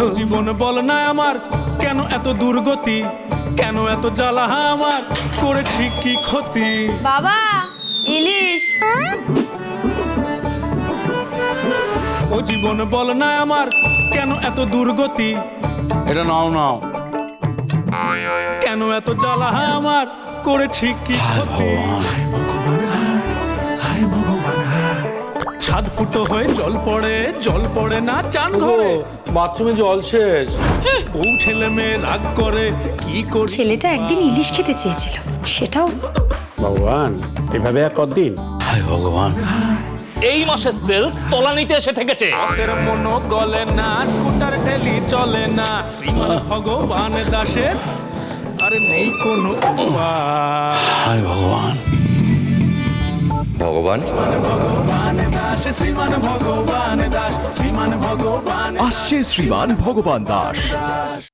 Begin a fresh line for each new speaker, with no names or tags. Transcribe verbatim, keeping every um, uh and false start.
জীবন বল না আমার কেন এত দুর্গতি, কেন এত জ্বালা আমার, করেছি কি ক্ষতি।
বাবা ইলিশ।
ও জীবন বল না আমার কেন এত দুর্গতি,
এটা নাও নাও।
কেন এত জ্বালা আমার, করেছি কি ক্ষতি। ছাদ ফুটো হয়ে জল পড়ে, জল পড়ে না চান ঘরে,
বাথরুমে জল শেষ।
বউ ছেলে মেয়ে রাগ করে, কি করি।
ছেলেটা একদিন ইলিশ খেতে চেয়েছিল, সেটাও
ভগবান এভাবে আর কতদিন?
হায় ভগবান,
এই মাসের সেলস তলানিতে এসে ঠেকেছে।
আখের মনো গলে না, স্কুটার ঠেলি চলে না, শ্রীমান ভগবান দাসের আরে নেই কোনো উপায়।
হায় ভগবান।
ভগবান
ভগবান দাস, শ্রীমান ভগবান দাস, শ্রীমান ভগবান
আসছে শ্রীমান ভগবান দাস।